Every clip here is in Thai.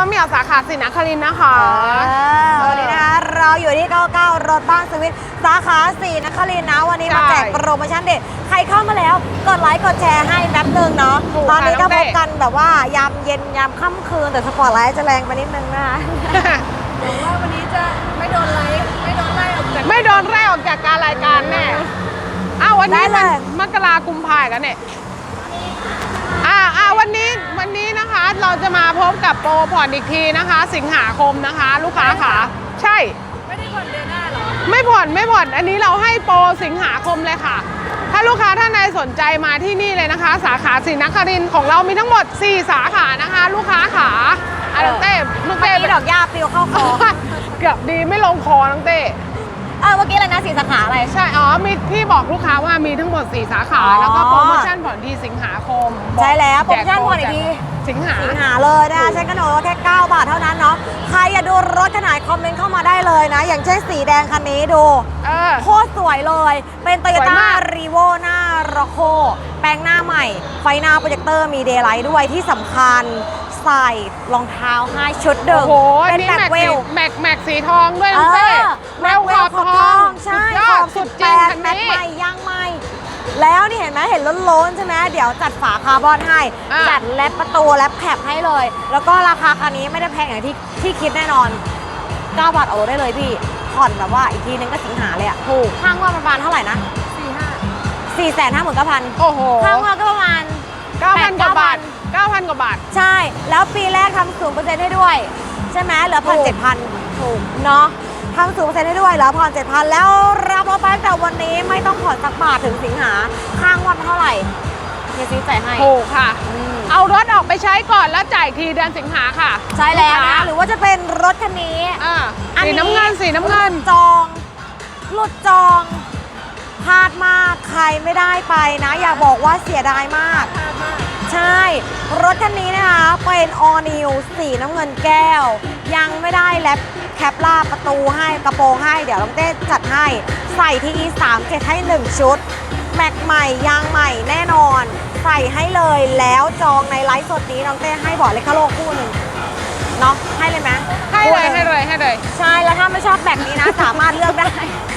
ะเหมี่ยวสาขาศรีนครินทร์นะคะวันนี้นะคะเราอยู่ที่99รถบ้านสวิตสาขาศรีนครินทร์นะวันนี้มาแจกโปรโมชั่นเด็ดใครเข้ามาแล้วกดไลค์กดแชร์ให้แป๊บนึงเนาะตอนนี้ก็พบกันแบบว่ายามเย็นยามค่ำคืนแต่สปอร์ตไลท์จะแรงไปนิดนึงนะคะหวังว่าวันนี้จะไม่โดนไล่ออกจากไม่โดนไล่ออกจากการรายการแน่วันนี้มันมกรากุมภาพันธ์กันเนี่ยวันนี้นะคะเราจะมาพบกับโปรผ่อนอีกทีนะคะสิงหาคมนะคะลูกค้าค่ะใช่ไม่ได้ผ่อนเดือนหน้าหรอไม่ผ่อนอันนี้เราให้โปรสิงหาคมเลยค่ะถ้าลูกค้าท่านใดสนใจมาที่นี่เลยนะคะสาขาศรีนครินทร์ของเรามีทั้งหมด4สาขานะคะลูกค้าขาน้องเต้ลูกเต้ดอกหญ้าปลิวเข้าคอเกือบดีไม่ลงคอน้องเต้เมื่อกี้อะไรนะ4สาขาอะไรใช่มีพี่บอกลูกค้าว่ามีทั้งหมด4สาขาแล้วก็โปรโมชั่นผ่อนทีสิงหาคมใช่แล้วโปรโมชั่นผ่อนอีกทีสิงหาเลยนะคะใช้กระโดดแค่9 บาทเท่านั้นเนาะใครอยากดูรถขนาดคอมเมนต์เข้ามาได้เลยนะอย่างเช่นสีแดงคันนี้ดูโคตรสวยเลยเป็น Toyota Revo หน้าร็อกโคแปลงหน้าใหม่ไฟหน้าโปรเจคเตอร์มีเดย์ไลท์ด้วยที่สำคัญใส่รองเท้าให้ชุดเดิมเป็นแม็กเวลแม็กสีทองด้วยน้องเต้แม็กเวลขอบทองใช่ขอบสุดจริงแม็กใหม่ย่างใหม่แล้วนี่เห็นไหมเห็นล้นๆใช่ไหมเดี๋ยวจัดฝาคาร์บอนให้จัดแรปประตูแรปแคปให้เลยแล้วก็ราคาคันนี้ไม่ได้แพงอย่างที่คิดแน่นอน9 บาทเอาได้เลยพี่ผ่อนแบบว่าอีกทีนึงก็สิงหาเลยอ่ะถูกข้างว่าประมาณเท่าไหร่นะ459,000 โอ้โหข้างว่าก็ประมาณ 9,000 กว่าบาท9,000 กว่าบาทใช่แล้วปีแรกทำ0%ให้ด้วยใช่ไหมเหลือ1,700ถูกเนาะทำ0%ให้ด้วยแล้วผ่อน7,000แล้วรับรถไปแต่วันนี้ไม่ต้องผ่อนสักบาทถึงสิงหาข้างวันเท่าไหร่เฮียซีจ่ายให้ถูกค่ะเอารถออกไปใช้ก่อนแล้วจ่ายทีเดือนสิงหาค่ะใช่แล้วนะหรือว่าจะเป็นรถคันนี้สีน้ำเงินหลุดจองพลาดมากใครไม่ได้ไปนะอย่าบอกว่าเสียดายมากใช่รถคันนี้นะคะเป็น All New สีน้ำเงินแก้วยังไม่ได้แลปแคปล่าประตูให้กระโปรงให้เดี๋ยวน้องเต้จัดให้ใส่ที่ E37 ให้1ชุดแม็กใหม่ยางใหม่แน่นอนใส่ให้เลยแล้วจองในไลฟ์สดนี้น้องเต้ให้บอร์ดเลคาโลคู่หนึ่งเนาะให้เลยไหมให้เลยใช่แล้วถ้าไม่ชอบแม็กนี้นะสามารถเลือกได้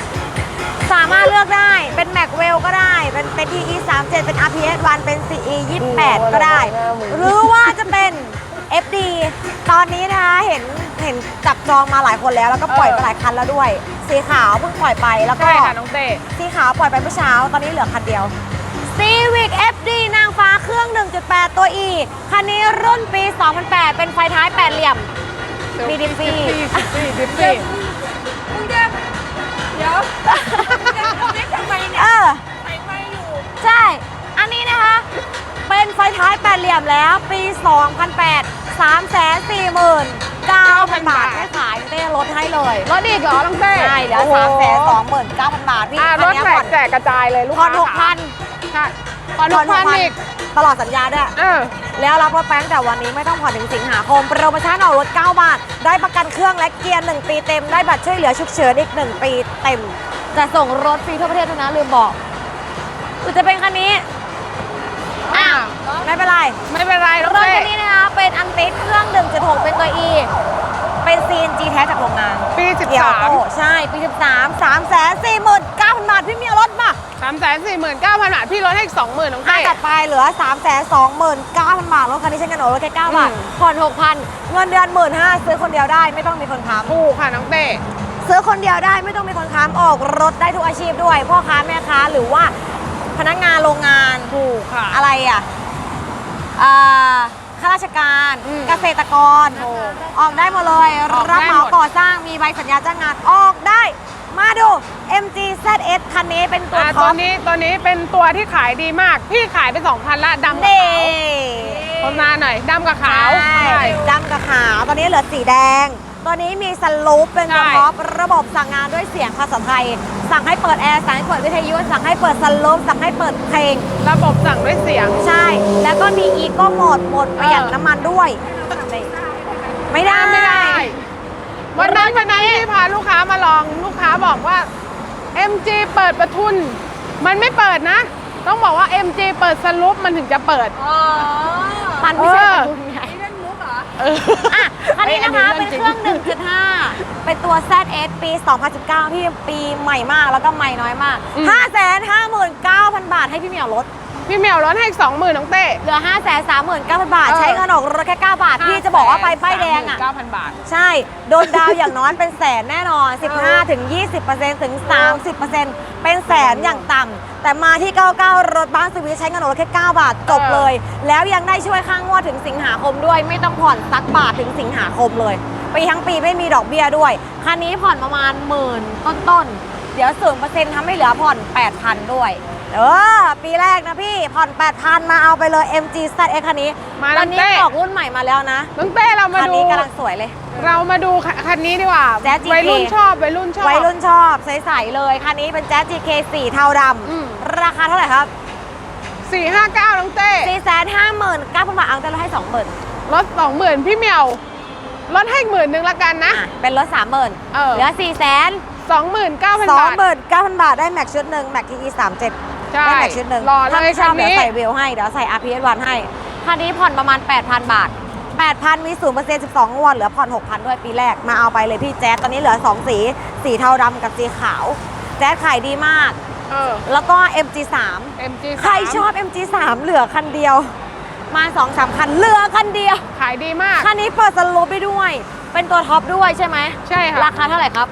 เป็นแม็กเวลก็ได้เป็น TE37 เป็น RPS1 เป็น CE28 ก็ได้หรือว่าจะเป็น FD ตอนนี้นะคะเห็นจับจองมาหลายคนแล้วก็ปล่อยไปหลายคันแล้วด้วยสีขาวเพิ่งปล่อยไปแล้วก็น้องเต้สีขาวปล่อยไปเมื่อเช้าตอนนี้เหลือคันเดียว Civic FD นางฟ้าเครื่อง 1.8 ตัว E คันนี้รุ่นปี 2008 เป็นไฟท้าย8เหลี่ยมมีดิฟฟี่เดี๋ยวทำไมเนี่ยไฟไหม้อยู่ใช่อันนี้นะคะเป็นไฟท้าย8เหลี่ยมแล้วปี 2008 349,000 บาทให้ขายเต้ลดให้เลยลดอีกเหรอน้องเต้ใช่เหลือ329,000 บาทพี่รถแจกกระจายเลยลูกค้าผ่อน 6,000 ใช่ผ่อน 6,000 อีกตลอดสัญญาด้วยแล้วรับรถแป้งแต่วันนี้ไม่ต้องผ่อนถึงสิงหาคมโปรโมชั่นออกรถ9 บาทได้ประกันเครื่องและเกียร์1 ปีเต็มได้บัตรช่วยเหลือฉุกเฉินอีก1 ปีเต็มจะส่งรถฟรีทั่วประเทศนะลืมบอกจะเป็นคันนี้ไม่เป็นไรรถคันนี้นะคะเป็นอันติดเครื่อง 1.6 เป็นตัว E เป็น CNG แท้จากโรงงานปี13 ใช่ปี13 349,000 บาทพี่มีรถมา 349,000 บาทพี่ลดให้อีก 20,000น้องเต้ต่อไปเหลือ329,000 บาทรถคันนี้ใช้เงินโอนรถแค่9 บาทผ่อน 6,000 เงินเดือน 15,000 ซื้อคนเดียวได้ไม่ต้องมีคนค้ำถูกค่ะน้องเต้ซื้อคนเดียวได้ไม่ต้องมีคนค้ำออกรถได้ทุกอาชีพด้วยพ่อค้าแม่ค้าหรือว่าพนักงานโรงงานถูกค่ะอะไรข้าราชการเกษตรกรออกได้หมดเลยรับเหมาก่อสร้างมีใบสัญญาจ้างงานออกได้มาดู MG ZS คันนี้เป็นตัวท็อปตัวนี้เป็นตัวที่ขายดีมากพี่ขายไป 2,000 ละดำกับขาวโฆษณาหน่อยดำกับขาวดำกับขาวตอนนี้เหลือสีแดงตัวนี้มีสลูปเป็นตัวท็อประบบสั่งงานด้วยเสียงภาษาไทยสั่งให้เปิดแอร์สั่งให้เปิดวิทยุสั่งให้เปิดสลูปสั่งให้เปิดเพลงระบบสั่งด้วยเสียงใช่แล้วก็มีอีโก้โหมดประหยัดน้ำมันด้วยไม่ได้วันนั้นที่พาลูกค้ามาลองลูกค้าบอกว่า MG เปิดประทุนมันไม่เปิดนะต้องบอกว่า MG เปิดสลูปมันถึงจะเปิดมันไม่ใช่ประทุนไงเล่นมุกเหรออ่ะคันนี้นะคะเฮ้เป็ยนอันนี้เครื่อง 1.5 เป็นตัว ZS ปี 2019 ที่ปีใหม่มากแล้วก็ใหม่น้อยมาก 559,000 บาทให้พี่เหมียวลดพี่เหมียวลดให้อีก20,000น้องเต้เหลือ 539,000 บาทเออใช้เงินออกรถแค่ 9 บาท พี่จะบอกว่าไปป้ายแดงอ่ะ 9,000 บาทใช่ โดนดาวอย่างน้อยเป็นแสนแน่นอน 15-20%ถึง 30%เป็นแสนอย่างต่ำแต่มาที่ 99 รถบ้านสวิสใช้เงินออกรถแค่ 9 บาท จบเลย แล้วยังได้ช่วยค่างวดถึงสิงหาคมด้วย ไม่ต้องผ่อนสักบาทถึงสิงหาคมเลยปีทั้งปีไม่มีดอกเบี้ยด้วย คันนี้ผ่อนประมาณ10,000ต้นๆ เดี๋ยว 0% ทำให้เหลือผ่อน 8,000 ด้วย ปีแรกนะพี่ผ่อน 8,000 มาเอาไปเลย MG ZS คันนี้มาตแล้อวนนี้เต้ออกรุ่นใหม่มาแล้วนะน้องเต้เรามาคันดูนี้กำลังสวยเลยเรามาดูคันนี้ดีกว่า Jazz GK วัยรุ่นชอบวัยรุ่นชอบวัยรุ่นชอบใสๆเลย คันนี้เป็น Jazz GK สีเทาดอืมำราคาเท่าไหร่ครับ 459น้องเต้ 459,000 บาทเอาแต่เราให้ 20,000 ลด20,000พี่เหมียวลดให้อีก10,000ละกันนะอ่ะเป็นรถ 30,000 เออเหลือ 29,000 บาท 29,000 บาทได้แม็กชุดหนึ่งแม็ก TE 37 ใช่ได้แม็กชุดหนึ่งรอเลยถ้าไม่ชอบคันนี้เดี๋ยวใส่เวลให้เดี๋ยวใส่ RPS 1ให้คันนี้ผ่อนประมาณ 8,000 บาท 8,000 มี 0% 12 งวดเหลือผ่อน 6,000 ด้วยปีแรกมาเอาไปเลยพี่แจ๊สตอนนี้เหลือ 2 สีเทาดำกับสีขาว แจ๊สขายดีมากเออแล้วก็ MG3 MG3 ใครชอบ MG3 เหลือคันเดียว มา 2-3 คันเหลือคันเดียวขายดีมากคันนี้เปิดสลูปไปด้วย เป็นตัวท็อปด้วยใช่ไหมใช่ค่ะราคาเท่าไหร่ครับ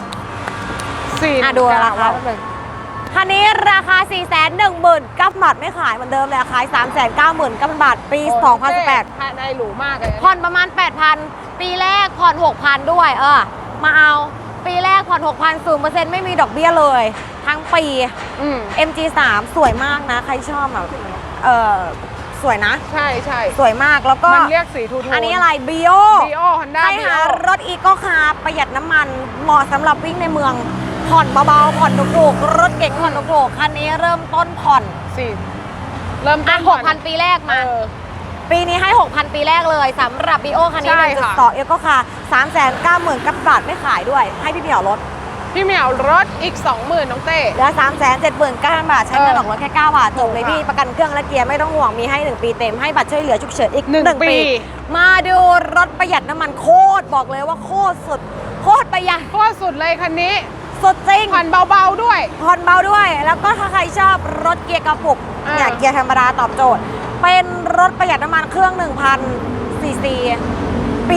4 ดูราคาแป๊บนึงคันนี้ราคา 419,000 บาทไม่ขายเหมือนเดิมเลยขาย 399,000 บาท ปี 2018 ภายในหรูมากเลยผ่อนประมาณ 8,000 ปีแรกผ่อน 6,000 ด้วยมาเอาปีแรกผ่อน 6,000 0% ไม่มีดอกเบี้ยเลย ทั้งปีอืม MG3 สวยมากนะ ใครชอบแบบสวยนะใช่ใช่สวยมากแล้วก็มันเรียกสีทูโทนอันนี้อะไร BO BO Honda ใครหารถอีโก้คาร์ประหยัดน้ำมันเหมาะสำหรับวิ่งในเมือง ผ่อนเบาๆ ผ่อนถูกๆรถเก๋งผ่อนถูกๆคันนี้เริ่มต้นผ่อนเริ่มต้อ่ะนก่อน 6,000 ปีแรกมาเออปีนี้ให้ 6,000 ปีแรกเลยสำหรับ BO คันนี้ใช่ค่ะ 1.2 อีโก้คาร์390,000 กับบาทไม่ขายด้วย ให้พี่เหมียวลดพี่เหมียวรถอีก 20,000น้องเต้เหลือ 379,000 บาท ใช้เงินออกรถแค่ 9 บาทจบเลยค่ะพี่ประกันเครื่องและเกียร์ไม่ต้องห่วงมีให้ 1 ปีเต็มให้บัตรช่วยเหลือฉุกเฉินอีก 1 ปีมาดูรถประหยัดน้ำมันโคตรบอกเลยว่าโคตรสุดโคตรประหยัดโคตรสุดเลยคันนี้สุดจริงผ่อนเบาๆด้วยผ่อนเบาด้วย แล้วก็ถ้าใครชอบรถเกียร์กระปุกอ่าเนี่ยเกียร์ธรรมดาตอบโจทย์ เป็นรถประหยัดน้ำมันเครื่อง 1,000 ซีซี ปี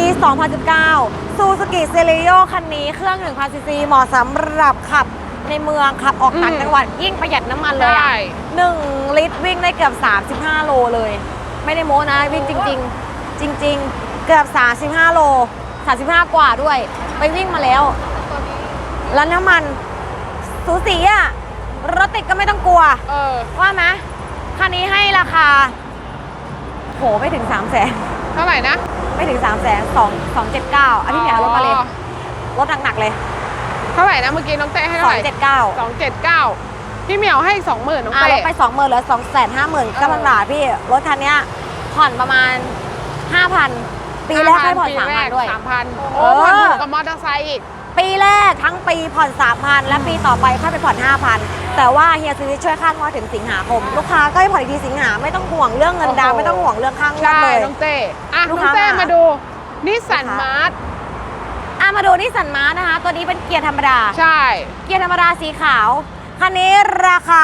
2019 ซูซูกิเซเลโยคันนี้เครื่อง 1,000 ซีซี เหมาะสำหรับขับในเมืองขับออกต่างจังหวัดยิ่งประหยัดน้ำมันเลยใช่อะ1 ลิตรวิ่งได้เกือบ 35 โลเลย ไม่ได้โม้นะวิ่งจริง ๆ จริง ๆ เกือบ 35 โล 35 กว่าด้วย ไปวิ่งมาแล้ว แล้วน้ำมันสูสีอะรถติดก็ไม่ต้องกลัวเออว่าไหมคันนี้ให้ราคาโหไม่ถึง 300,000 เท่าไหร่นะไม่ถึง 300,000 279อันนี้เหมียวลดมาเลยลดหนักๆเลยเท่าไหร่นะเมื่อกี้น้องเต้ให้เท่าไหร่ 279 279พี่เหมียวให้อีก20,000น้องลเต้ดไป 20,000เหลือ 259,000 บาทพี่รถคันเนี้ยผ่อนประมาณ 5,000 ปีแรกให้ผ่อน 3,000 ด้วย 3,000โอ้ผ่อนถูกกับมอเตอร์ไซค์อีกปีแรกทั้งปีผ่อน 3,000 และปีต่อไปค่อยไปผ่อน 5,000 แต่ว่าเฮียซื้อช่วยค่างวดถึงสิงหาคม ลูกค้าก็ให้ผ่อนอีกทีสิงหาไม่ต้องห่วงเรื่องเงินดาวน์โอ้โหไม่ต้องห่วงเรื่องค่างวดใช่เลยน้องเต้อ่ะลูน้กองค้าเต้มามาดูนิสสันนะคะมาร์ทมาดูนิสสันมาร์ทนะคะ ตัวนี้เป็นเกียร์ธรรมดาใช่เกียร์ธรรมดาสีขาว คันนี้ราคา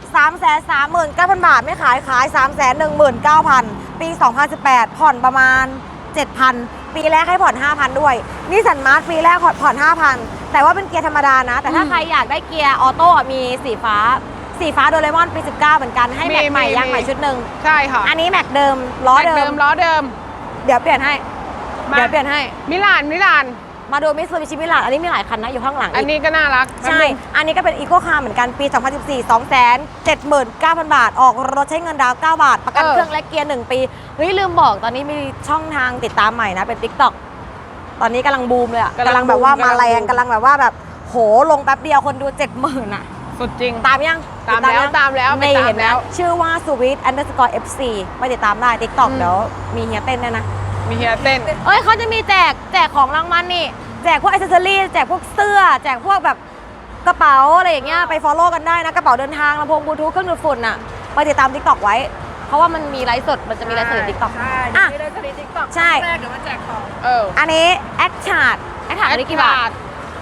339,000 บาทไม่ขาย 319,000 ปี 2018 ผ่อนประมาณ 7,000 ปีแรกให้ผ่อน 5,000 ด้วยนิสสันมาร์ทปีแรกผ่อน 5,000 แต่ว่าเป็นเกียร์ธรรมดานะ แต่ถ้าใครอยากได้เกียร์ออโต้มีสีฟ้าโดเรมอนปี 19 เหมือนกันให้แม็กใหม่ยางใหม่ชุดหนึ่งใช่ค่ะอันนี้แม็กเดิมล้อแม็กเดิมล้อเดิมเดี๋ยวเปลี่ยนให้มาเดี๋ยวเปลี่ยนให้มิลานมาดูมิตซูบิชิมิลานอันนี้มีหลายคันนะอยู่ข้างหลังอันนี้ก็น่ารักใช่ อันนี้ก็เป็นอีโก้คาร์เหมือนกันปี 2014 279,000 บาท ออกรถใช้เงินดาวน์9 บาท ประกันเครื่องและเกียร์ 1 ปี เฮ้ย ลืมบอกตอนนี้มีช่องทางติดตามใหม่นะ เป็น TikTok ตอนนี้กำลังบูมเลยอะกำลังแบบว่ามาแรงกำลังแบบว่าแบบโหลงแป๊บเดียวคนดู 70,000 อะสุดจริงตามยังตามแล้วยังตามแล้วไปไม่ตามเห็นแล้แล้ววชื่อว่า sweet_fc ไปติดตามได้ TikTok อืมเดี๋ยวมีเฮียเต้นด้วยนะมีเฮียเต้นเอ้ยเขาจะมีแจกของรางวัลนี่ แจกพวกอิสเซอรี่แจกพวกเสื้อ แจกพวกแบบกระเป๋าอะไรอย่างเงี้ยไป follow กันได้นะ กระเป๋าเดินทางลำโพงบลูทูธเครื่องดูดฝุ่นน่ะไปติดตาม TikTok ไว้เพราะว่ามันมีไลฟ์สดมันจะมีไลฟ์สดในติ๊กต็อกใช่อ่ะไม่ได้สลิดติ๊กต็อกใช่แรกเดี๋ยวมาแจกของอันนี้แอคชาร์ดอันนี้กี่บาท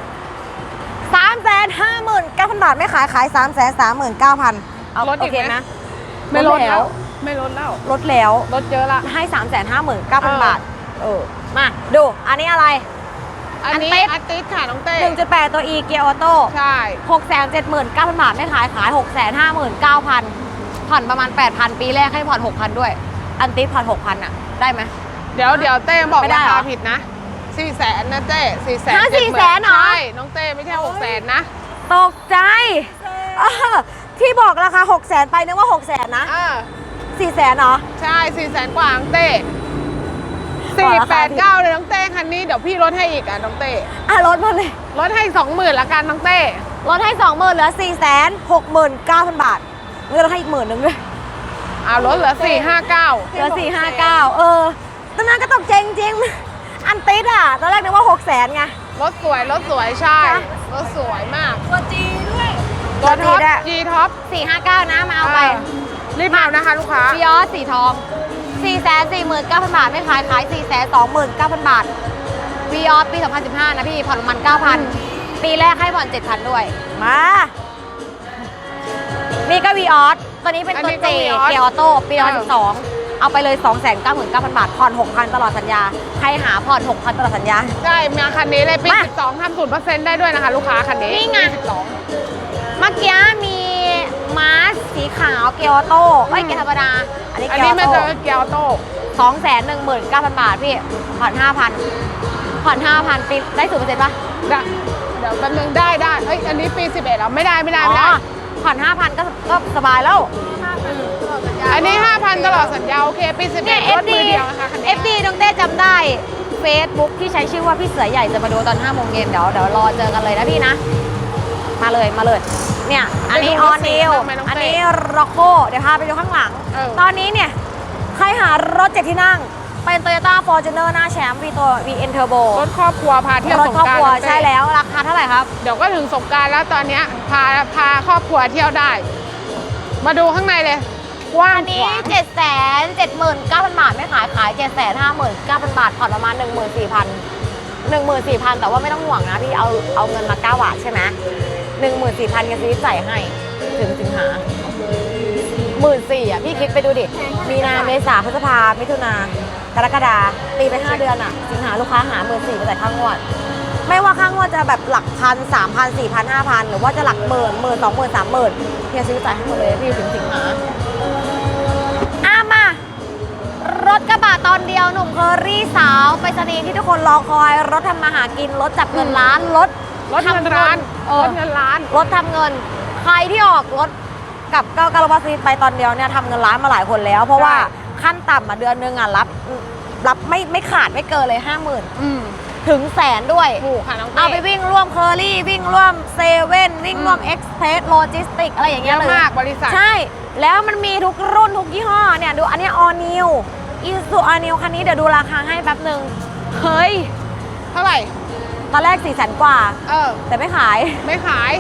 359,000 บาทไม่ขาย 339,000เอาลดโออีกเคไหมนะไม่ลดแล้แล้ว ว ไม่ลดแล้วลดแล้วลดเยอะละให้ 359,000 บาทมาดูอันนี้อะไรอันนี้อันเต๊ดอาร์ติสค่ะน้องเต้ 1.8 ตัว E เกียร์ออโต้ใช่ 679,000 บาทไม่ขาย 659,000 ผ่อนประมาณ 8,000 ปีแรกให้ผ่อน 6,000 ด้วย อันติดผ่อน 6,000 อ่ะ ได้ไหมเดี๋ยวเต้บอกไม่ได้ราเหรอคาผิดนะ400,000นะเต้400,000 ฮะ400,000เหรอใช่น้องเต้ไม่ใช่600,000นะตกใจที่บอกราคา 600,000 ไปนึกว่า 600,000 นะ 400,000เหรอใช่400,000 กว่าน้องเต้บอกราคาผิด 489เลยน้องเต้คันนี้เดี๋ยวพี่ลดให้อีกอ่ะน้องเต้ลดมาเลยลดให้ 20,000ละกันน้องเต้ลดให้ 20,000เหลือ 469,000 บาทเงินลดให้อีก10,000นึงด้วยลดเหลือ459 เหลือ459ตอนนั้นก็ตกใจจริงๆอันติดอ่ะตอนแรกนึกว่า 600,000 ไงรถสวยใช่จ้ะรถสวยมากตัวจีด้วยตัวท็อปตัว G ท็อป 459 นะมาเอาไปรีบเอานะคะลูกค้าฟิออสสีทอง 449,000 บาท ไม่ขาย 429,000 บาทฟิออสปี 2015 นะพี่ ผ่อนประมาณ 9,000 ปีแรกให้ผ่อน 7,000 ด้วย มานี่ก็วีออสตัวนี้เป็นอันตัวนี้เจก็ Vios เกียร์ออโต้ปีเออ 2012 เอาไปเลย 299,000 บาท ผ่อน 6,000 ตลอดสัญญา ใครหาผ่อน 6,000 ตลอดสัญญาใช่มาคันนี้เลยปีมา 12ทำ0%ได้ด้วยนะคะลูกค้าคันนี้นี่ไงปี12 เมื่อกี้มีมาสสีขาวเกียร์ออโต้ไม่เกียร์ธรรมดา อันนี้อันเกียนี้ร์ออมันโต้จะเกียร์ออโต้ 219,000 บาทพี่ ผ่อน 5,000 ผ่อน 5,000 ปีได้0%ป่ะเดี๋ยวแป๊บนึงได้เอ้ยอันนี้ปี11แล้วไม่ได้อ๋อผ่อน 5,000 ก็สบายแล้วอันนี้ 5,000 ตลอดสัญญาโอเคปีเนี่ย 11รถมือเดียวนะคะคันนี้ FD น้องเต้จำได้ Facebook ที่ใช้ชื่อว่าพี่เสือใหญ่จะมาดูตอน 5 โมงเย็นเดี๋ยวรอเจอกันเลยนะพี่นะ มาเลย เนี่ย อันนี้ออนิวอันนี้ร็อกโก้เดี๋ยวพาไปดูข้างหลัง ตอนนี้เนี่ย ใครหารถ7 ที่นั่ง เป็น Toyota Fortuner หน้าแชมป์ตัว VN Turbo รถครอบครัวพาเที่ยวรถสงครอบกรานครัวต์ใช่แล้วราคาเท่าไหร่ครับเดี๋ยวก็ถึงสงกรารแล้วตอนเนี้ยพาครอบครัวเที่ยวได้ มาดูข้างในเลยกว้างอันขนี้วาง 779,000 บาทไม่ขาย 759,000 บาทผ่อนประมาณ 14,000 แต่ว่าไม่ต้องห่วงนะพี่เอาเงินมา9 บาทใช่ไหม14,000กันซีจ่ายให้ถึงสิงหา14,000อ่ะพี่คิดไปดูดิ มีนาเมษาพฤษภามิถุนากรกฎาตีไป5 เดือนอ่ะ สิงหาลูกค้าหา14,000ไปจ่ายค่างวด ไม่ว่าค่างวดจะแบบหลักพัน 3,000 4,000 5,000 หรือว่าจะหลักหมื่น20,000 30,000เฮียซื้อจ่ายให้หมดเลยพี่ถึงสิงหา มารถกระบะตอนเดียวหนุ่มเคอรี่สาวไปสนีย์ที่ทุกคนรอคอย รถทำมาหากิน รถจับเงินล้าน รถเงินร้านรถเงินล้านรถทำเงิน ใครที่ออกรถกับเก้าการบาซีไปตอนเดียวเนี่ยทำเงินล้านมาหลายคนแล้ว เพราะว่าขั้นต่ำเดือนนึงรับไม่ขาดไม่เกินเลย 50,000 ถึงแสนด้วยถูกค่ะน้องเต้เอาไปวิ่งร่วมเคอรี่วิ่งร่วมเซเว่นวิ่งร่วมเอ็กซ์เพรสโลจิสติกอะไรอย่างเยเงี้ยอะเลยมากบริษัทใช่ แล้วมันมีทุกรุ่นทุกยี่ห้อเนี่ยดูอันนี้ all new Isuzu all new คันนี้เดี๋ยวดูราคาให้แป๊บหนึ่งเฮ้ยเท่าไหร่ตอนแรก400,000 กว่า แต่ไม่ขายไม่ขาย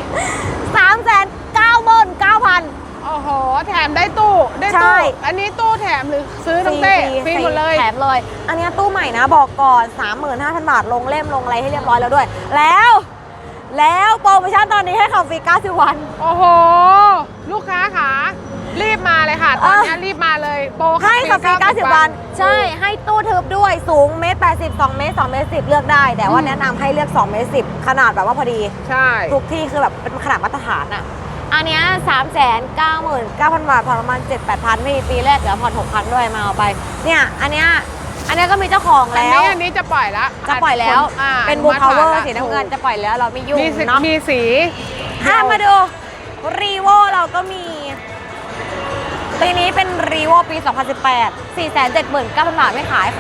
399,000 โอ้โห แถมได้ตู้ใช่อันนี้ตู้แถมหรือซื้อน้องเต้ฟรีหมดเลยแถมเลย อันนี้ตู้ใหม่นะบอกก่อน 35,000 บาทลงเล่มลงอะไรให้เรียบร้อยแล้วด้วย แล้วโปรโมชั่นตอนนี้ให้ขับฟรี90 วันโอ้โห ลูกค้าค่ะ รีบมาเลยค่ะ ตอนนี้รีบมาเลย โปรให้ขับฟรี90 วัน ใช่ ให้ตู้ทึบด้วย สูงเมตร80 2 เมตร 2 เมตร 10 เลือกได้ แต่ว่าแนะนำให้เลือก2 เมตร 10 ขนาดแบบว่าพอดีใช่ทุกที่คือแบบเป็นขนาดมาตรฐานอ่ะ อันเนี้ย399,000 บาทผ่อนประมาณ 7-8,000ไม่มีปีแรกเดี๋ยวผ่อน 6,000 ด้วยมาเอาไป เนี่ย อันเนี้ยก็มีเจ้าของแล้วอันนี้จะปล่อยแล้วจะปล่อยแล้ว เป็นบูอพาวเวอนุมัร์ติสีน้ำเงินจะปล่อยแล้วเราไม่ยุ่งมีสีเนาะมีสีมาดูรีโวเราก็มีปีนี้เป็นรีโวปี 2018 479,000 บาทไม่ขาย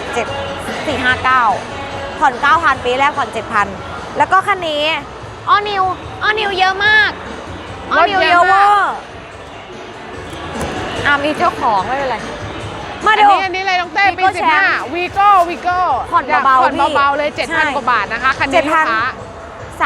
459,000 ผ่อน 9,000 ปีแรกผ่อน 7,000 แล้วก็คันนี้ออนิวเยอะมากออนิวเยอะเวอร์มีเจ้าของไม่เป็นไร มาดูอันนี้เลยน้องเต้ปี Vigo Champ 15วีโก้ผ่อนเบาๆผ่อนพี่เบาๆเลยใช่ 7,000 กว่าบาทนะคะ คันนี้ลูกค้า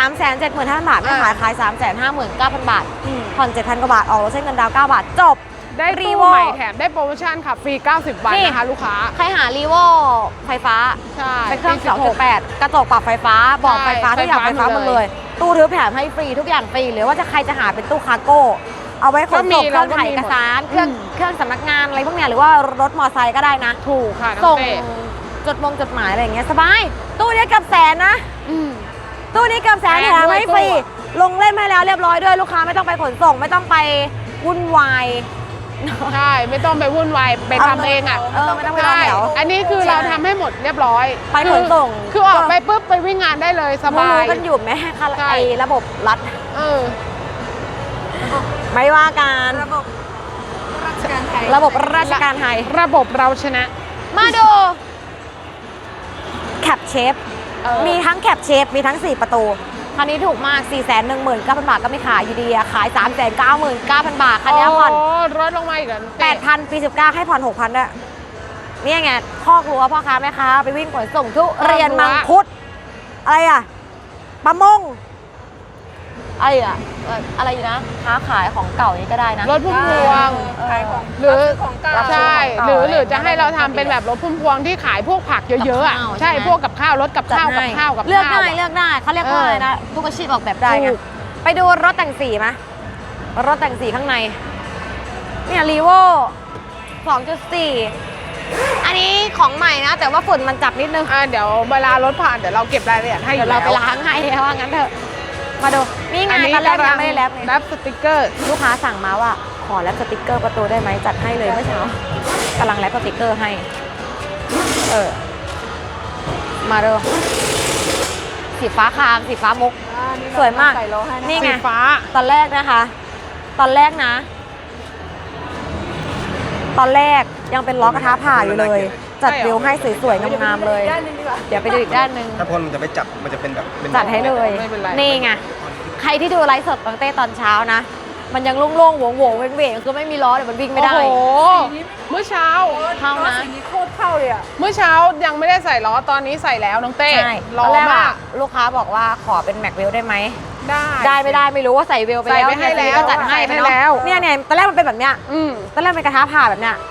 375,000 บาทไม่ขาย 359,000 บาท ผ่อน 7,000 กว่าบาท ออกรถใช้เงินดาวน์9 บาท จบได้รีตู้โวใหม่แถมได้โปรโมชั่นค่ะฟรี 90 วันนี่นะคะลูกค้าใครหารีโวไฟฟ้าใช่เป็นเครื่องปี16 2.8 กระจกปรับไฟฟ้าเบอกใช่ไฟฟ้าทุกอย่างไฟไฟฟ้าฟ้าหมดหมดเลเลย ยตู้ทึบแถมให้ฟรีทุกอย่างฟรีหรือว่าจะใครจะหาเป็นตู้คาร์โก้ เอาไว้ขนส่งเครื่องถ่ายเอกสารเครื่องสำนักงานอะไรพวกเนี้ยหรือว่ารถมอเตอร์ไซค์ก็ได้นะถูกค่ะน้อส่งงเต้จดหมายอะไรอย่างเงี้ยสบาย ตู้นี้เกับแสนนะอืมตู้นี้เกับแสนแพแถงมด้วยให้ฟรีตู้อะลงเล่มให้แล้วเรียบร้อยด้วยลูกค้าไม่ต้องไปขนส่งไม่ต้องไปวุ่นวายใช่ไม่ต้องไปวุ่นวายไปทำเองอ่ะไม่ต้องไปรอใช่แถวอันนี้คือเราทำให้หมดเรียบร้อยไปขนส่งคือออกไปปุ๊บไปวิ่งงานได้เลยสบายรู้กันอยู่ไหมคะใช่ไอ้ระบบรัฐเออไม่ว่าการระบบราชการไทยระบบราชการไทยระบบเราชนะมาดูแคปเชฟเออมีทั้งแคปเชฟมีทั้ง 4 ประตู คันนี้ถูกมาก 419,000 บาทก็ไม่ขายอยู่ดีอะขาย 399,000 บาท คันนี้ผ่อนโอ้ลดลงมาอีกแล้ว 8,000 ปี 19 ให้ผ่อน 6,000ด้วยนี่ไงข้อกลัวพ่อค้าแม่ค้าไปวิ่งขนส่งทุเรียนมังคุด อะไรอะปลามงอะไรอยู่นะค้าขายของเก่านี้ก็ได้นะรถพุ่มพวงขายของหรือของเก่าใช่ของหเก่ารือจะให้เราทำเป็นแบบรถพุ่มพวงที่ขายพวกผักเยอะๆอ่ะกับข้าวใช่ใช่ไหมพวกกับข้าวรถกับข้าวกับข้าวกับเลือกข้าวได้อะเลือกได้เขาเรียกว่าเออออะไรนะทุกอาชีพออกแบบได้ไงถูกไปดูรถแต่งสีไหมรถแต่งสีข้างในเนี่ยรีโว 2.4 อันนี้ของใหม่นะ แต่ว่าฝุ่นมันจับนิดนึงเดี๋ยวเวลารถผ่านเดี๋ยวเราเก็บรายละเอียดให้อเดี๋ยยู่วเราแล้วไปล้างให้ว่างั้นเถอะ มาดู นี่ไงอันนี้ตอนแรกกำยัลังไม่ได้แรปไงแรปสติกเกอร์ลูกค้าสั่งมาว่าขอแรปสติกเกอร์ประตูได้ไหมจัดให้เลยเมื่อเช้ากำลังแรปสติกเกอร์ให้ มาดูสีฟ้าคามสีฟ้ามุก สวยมากใส่โลให้นะนี่ไงสีฟ้าตอนแรกนะคะ ตอนแรกนะ ตอนแรกยังเป็นล้อกระทะผ่าอยู่เลย จัดวิวให้สวยๆงามๆเลยด้านหนึงดีกว่าเดี๋ยวไปดูอีกด้านหนึ่งถ้าพ่นมันจะไม่จับ มันจะเป็นแบบเป็นจัดให้เลยไม่เป็นไรนี่ไง ใครที่ดูไลฟ์สดตั้งแต่ตอนเช้านะ มันยังโล่งๆโหวงๆเว้งๆคือไม่มีล้อเดี๋ยวมันวิ่งไม่ได้โอ้โหเมื่อเช้าเข้านะสีนี้โคตรเข้าเลยอ่ะเมื่อเช้ายังไม่ได้ใส่ล้อตอนนี้ใส่แล้วน้องเต้ใช่ล้อตอนแรกมาอะกลูกค้าบอกว่าขอเป็นแม็กเวลได้ไหมได้ได้ไม่ได้ไม่รู้ว่าใส่เวลไปแล้วใส่ไปให้แล้วก็จัดให้ใส่ให้เนาะแล้วเนี่ยตอนแรกมันเป็นแบบเนี้ยอืมตอนแรกเป็นกระทะผ่าแบบเนี้ย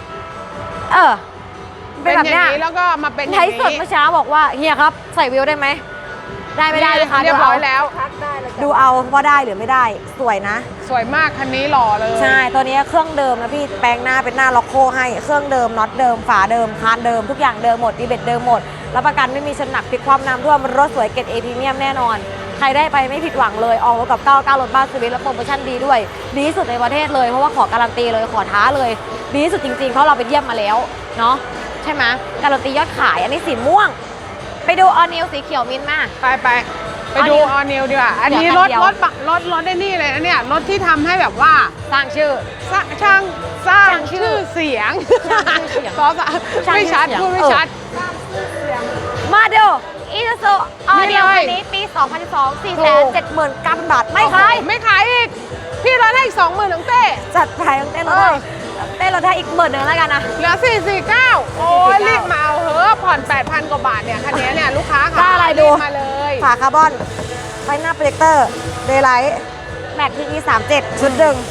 เป็เป็น นแบบอย่าเนี้ยงนี้แล้วก็มาเป็นอย่าใช้งสดนี้เมื่อเช้าบอกว่าเฮียครับใส่วิวได้ไหม ได้ไม่ได้ลูกค้าเรียบร้อยแล้วทักได้เลยดูเอาว่าได้หรือไม่ได้สวยนะสวยมากคันนี้หล่อเลยใช่ ตัวนี้เครื่องเดิมนะพี่แปลงหน้าเป็นหน้าล็อกโคให้เครื่องเดิมน็อตเดิมฝาเดิมคานเดิมทุกอย่างเดิมหมดดีเบ็ดเดิมหมดรับประกันไม่มีชนหนักพลิกความน้ำท่วมรถสวยเกรดเอพรีเมียมแน่นอน ใครได้ไปไม่ผิดหวังเลยออกรถกับ99รถบ้านสวิตและโปรโมชั่นดีด้วยดีที่สุดในประเทศเลยเพราะว่าขอการันตีเลยขอท้าเลยดีที่สุดจริงๆเพราะเราไปเยี่ยมมาแล้วเนาะใช่ไหมการันตียอดขายอันนี้สีม่วง ไปดูออนิวสีเขียวมินท์มาไปดูออนิวดีกว่า อันนี้เดี๋ยวรคัถนเดียวรถได้นี่เลยนะเนี่ยรถที่ทำให้แบบว่าสร้างชื่อสร้างสร้างชื่อเสียงสร้างชื่อเสียงซอสอะสร้างไม่ชัดชื่อเสียงพูดไม่ชัดมาดูอีซูซูออนี่นิวเลยคันนี้ปี 2012 479,000 บาทไม่ขายไม่ขายอีก พี่รถให้อีก20,000น้องเต้จัดไปเต้นรถให้เต้นรถให้อีก10,000แล้วกันนะเหลือ449 โอ้ยรีบมาเอาเหอะผ่อน 8,000 กว่าบาทเนี่ยคันนี้เนี่ยลูกค้าได้ค่ะอะไรดูรีบมาเลยฝาคาร์บอนไฟหน้าโปรเจคเตอร์เดย์ไลท์แม็กที37ชุดหนึ่ง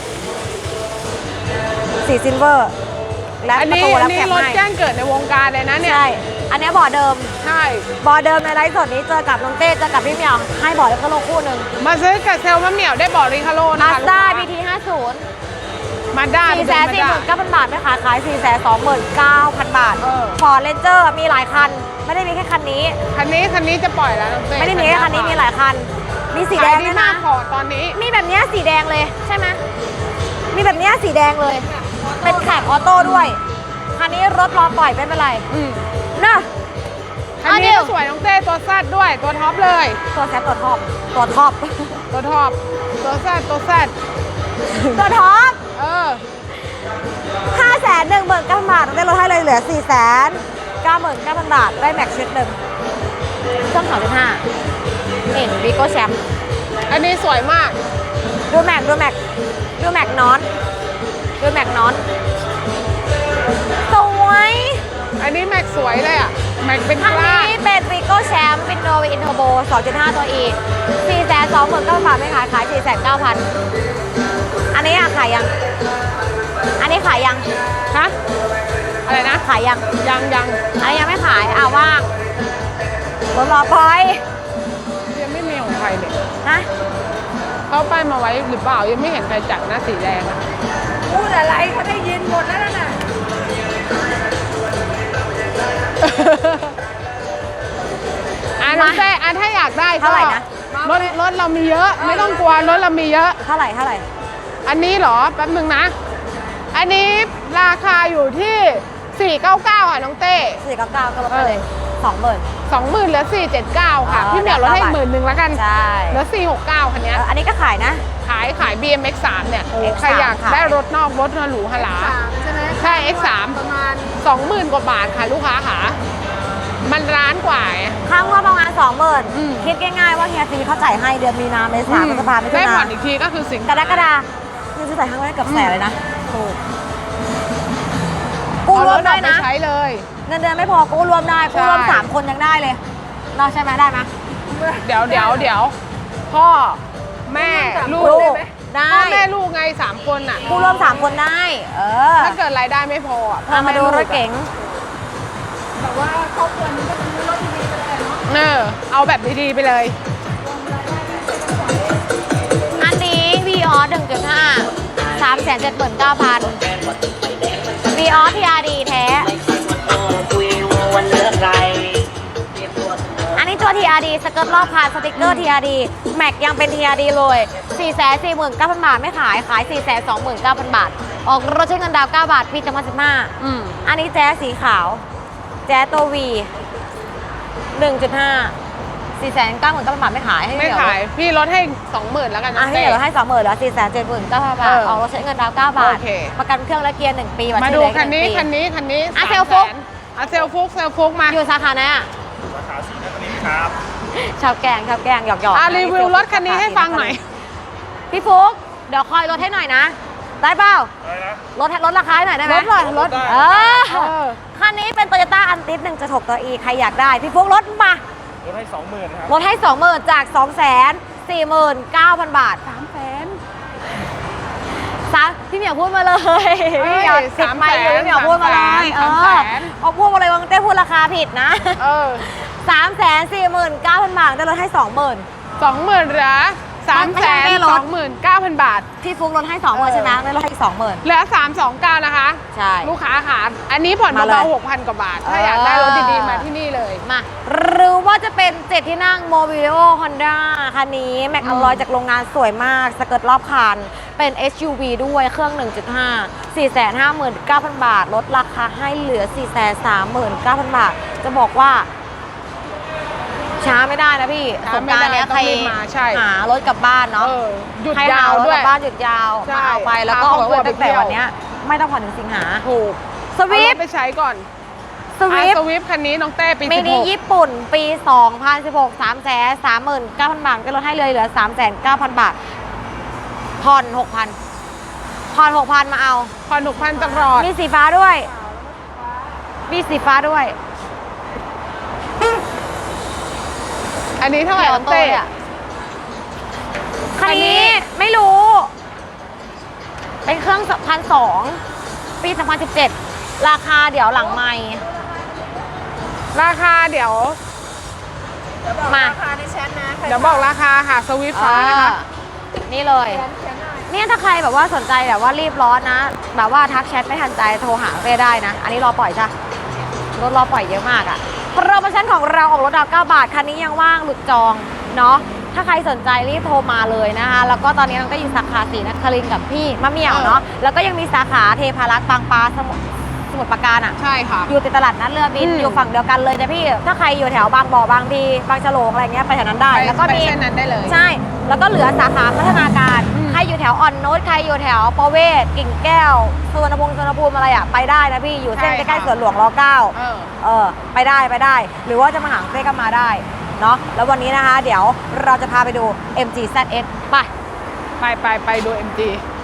สีซิลเวอร์และอันประนี้ตูอัและนนี้แคปรถให้แจ้งเกิดในวงการเลยนะเนี่ยใช่อันนี้บอร์ดเดิมใช่บอร์ดเดิมในไลฟ์สดนี้เจอกับน้องเต้เจอกับพี่เหมียวให้บอร์ดแล้วก็โลคู่หนึ่งมาซื้อกับเซลล์มะเหมี่ยวได้บอกรีคาโลนะมาคะสด้าลูก BT 50 มาด้า 449,000 บาทไม่ขายขาย 429,000 บาท ฟอร์เรนเจอร์มีหลายคัน ไม่ได้มีแค่คันนี้คันนี้จะปล่อยแล้วน้องเต้ไม่ได้มีแค่คันนี้มีหลายคัน มีสีแดงด้วยมานะกพอตอนนี้มีแบบเนี้ยสีแดงเลยใช่ไหมมีแบบเนี้ยสีแดงเลย เป็นแคปออโต้ด้วย คันนี้รถรอปล่อยไม่เป็นไรอืมนะคันนี้ก็สวยน้องเต้ตัวแซดด้วยตัวท็อปเลยตัวแซดตัวท็อปตัวท็อปตัวท็อปตัวแซดตัวท็อปเออ 519,000 บาทได้ลดให้เลยเหลือ 499,000 บาทได้แม็กชุดหนึ่งเครื่อง2.5นี่วีโก้แชมป์อันนี้สวยมากดูแม็กนอนสวยอันนี้แม็กสวยเลยอ่ะแม็กเป็นคันกล้านี้เป็นวีโก้แชมป์เป็นโนวีอินเทอร์โบ 2.5 ตัว E 429,000 บาทไม่ขาย 409,000 อันนี้อะขายยังอันนี้ขายยังฮะอะไรนะขายยังยังอันนี้ยังไม่ขายว่างรถรอพอยยังไม่มีของใครเลยนะเขาป้ายมาไว้หรือเปล่ายังไม่เห็นใครจัดนะสีแดงอะพูดอะไรเขาได้ยินหมดแล้วน่ะน้องเต้ถ้าอยากได้ก็เท่าไหร่นะรถเรามีเยอะ ไม่ต้องกลัวรถเรามีเยอะเท่าไหร่อันนี้เหรอแป๊บนึงนะ อันนี้ราคาอยู่ที่ 499 ค่ะน้องเต้ 499ก็ลดไปเลย 20,000 20,000เหลือ 479 ค่ะอ๋อพี่เหมียวลดให้ได้ 10,000แล้วกันใช่เหลือ 469 คันเนี้ยอันนี้ก็ขายนะขาย BMX 3เนี่ยโอ้ X3 ใครอยากขายได้รถนอกรถหรูหราใช่ไหมใช่ X3 ประมาณ 20,000 กว่าบาทค่ะลูกค้าค่ะ มันร้านกว่าไงข้างว่าประมาณอืม 20,000 คิดง่ายๆว่าเฮียซีเขาจ่ายให้เดือนมีนาเมษาพฤษภาคมได้ผ่อนอีกทีก็คือสิงกรกฎาคมนี่ซื้อจ่ายข้างไว้เกือบแสนเลยนะถูกกู้เอารรวมถอได้อกไปนะใช้เลยเงินเดือนไม่พอกู้รวมได้กู้รวมใช่ 3 คนยังได้เลยเราใช่ไหมได้ไหมเดี๋ยวพ่อแม่ลูกลูกได้พ่อแม่ลูกไง3 คนอ่ะกู้รวม3 คนได้ถ้าเกิดรายได้ไม่พออ่ะพ่อเอามาแม่ดูลูกรอะถเก๋งแต่ว่าครอบครัวนี้ก็จะมีรถดีๆไปเลยเนาะเอาแบบดีๆไปเลยอันนี้วีออส 1.5 379,000 วีออส TRD แท้ อันนี้ตัว TRD สเกิร์ตรอบคันสติกเกอร์ TRD แม็กยังเป็น TRD เลย 449,000 บาทไม่ขาย 429,000 บาท ออกรถใช้เงินดาวน์9 บาท ปี2015 อืมอันนี้แจ๊สสีขาว แจ๊สตัว V 1.5 499,000 บาทไม่ขายให้ไม่เดี๋วขายพี่ลดให้ 20,000แล้วกันอ่ะนะให้เดี๋ยวให้ 20,000แล้ว479,000 บาท ออกรถใช้เงินดาวน์9 บาทโอเคประกันเครื่องและเกียร์ 1 ปีบัตรมาชื่ดูอเล็กคันนี้ 1 ปีคันนี้อ่ะ 300,000 เซลฟุกเซลฟุกมาอยู่สาขาไหนอ่ะสาขาสีนครินทร์ครับชาวแกงหยอกๆรีวิวรถคันนี้ให้ฟังหน่อยพี่ฟุกเดี๋ยวคอยลดให้หน่อยนะ ได้เปล่าอะไรนะลดราคาให้หน่อยได้ไหมลดหน่อยลดได้เออเออคันนี้เป็น Toyota Antis 1.6 ตัว E ใครอยากได้ พี่ฟุกลดมาลดให้ 20,000ครับลดให้ 20,000 จาก 249,000 บาท พี่เหมียวพูดมาเลยพี่เหมียวติดไมค์อยู่พี่เหมียวพูดมาเลยเอาพูดมาเลยว่าเต้พูดราคาผิดนะเออ 349,000 บาทได้ลดให้ 20,000 20,000เหลือ 329,000 บาทพี่ฟุกลดให้ 20,000ใช่ไหมได้ลดให้อีก 20,000 เหลือ 329 นะคะใช่ลูกค้าค่ะ อันนี้ผ่อนมาเลยเบาๆ 6,000 กว่าบาท ถ้าอยากได้รถดีๆ มาที่นี่เลยมาหรือว่าจะเป็น7ที่นั่งโมบิโอฮอนด้าคันนี้แม็กอลอยจากโรงงานสวยมากสเกิร์ตรอบคันเป็น SUV ด้วยเครื่อง 1.5 459,000 บาท ลดราคาให้เหลือ 439,000 บาท จะบอกว่า ช้าไม่ได้นะพี่สช้าง ไม่กรารได้เนี้ยต้ใครองรีบมาใช่หารถกลับบ้านเนาะเออหยุดใครยาหาว รถด้กวยลับบ้านหยุดยาวใช่มาเอาไปแล้วก็พาออกครอบครัวรถตั้งแต่ไปเที่ยววันเนี้ยไม่ต้องผ่อนถึงสิงหาถูกสวิฟเอารถไปใช้ก่อนสวิฟสวิฟคันนี้น้องเต้ปีมินิ 16 ญี่ปุ่น ปี 2016 339,000 บาท ก็ลดให้เลยเหลือ 309,000 บาท ผ่อน 6,000 ผ่อน 6,000 มาเอาผ่อน6,000ตลอดมีสีฟ้าด้วย มีสีฟ้าด้วยอันนี้เท่าไหร่น้องเต้อะคันนี้ไม่รู้ เป็นเครื่อง1,200 ปี 2017 ราคาเดี๋ยวหลังไมค์ราคาเดี๋ยวมาราคาในแชทนะใครเดี๋ยวบอกราคาค่ะสวิฟฟ้านะคะนี่เลยเขียนหน่อยเนี่ยถ้าใครแบบว่าสนใจแบบว่ารีบร้อนนะ แบบว่าทักแชทไม่ทันใจโทรหาเต้ได้นะ อันนี้รอปล่อยจ้ะรถรอปล่อยเยอะมากอะโปรโมชั่นของเราออกรถดาว9 บาท คันนี้ยังว่างหลุดจองเนาะถ้าใครสนใจรีบโทรมาเลยนะคะ แล้วก็ตอนนี้เราก็อยู่สาขาศรีนครินทร์กับพี่มะเหมี่ยวเนาะแล้วก็ยังมีสาขาเทพารักษ์บางปลาสมุทรปราการอะใช่ค่ะอยู่ติดตลาดนัดเรือบินอืมอยู่ฝั่งเดียวกันเลยนะพี่ ถ้าใครอยู่แถวบางบ่อบางพีบางฉลงอะไรเงี้ยไปแถวนั้นได้ แล้วก็ไปมีเส้นนั้นได้เลยใช่ แล้วก็เหลือสาขาพัฒนาการอืมใครอยู่แถวอ่อนโนตใครอยู่แถวประเวศกิ่งแก้วสุวรรณภูมิอะไรอ่ะไปได้นะพี่อยู่เส้นใช่ใกล้ค่ะๆสวนหลวงร9 เออไปได้ หรือว่าจะมาหาเต้ก็มาได้เนาะแล้ววันนี้นะคะ เดี๋ยวเราจะพาไปดู MG ZS ไปไปดู MG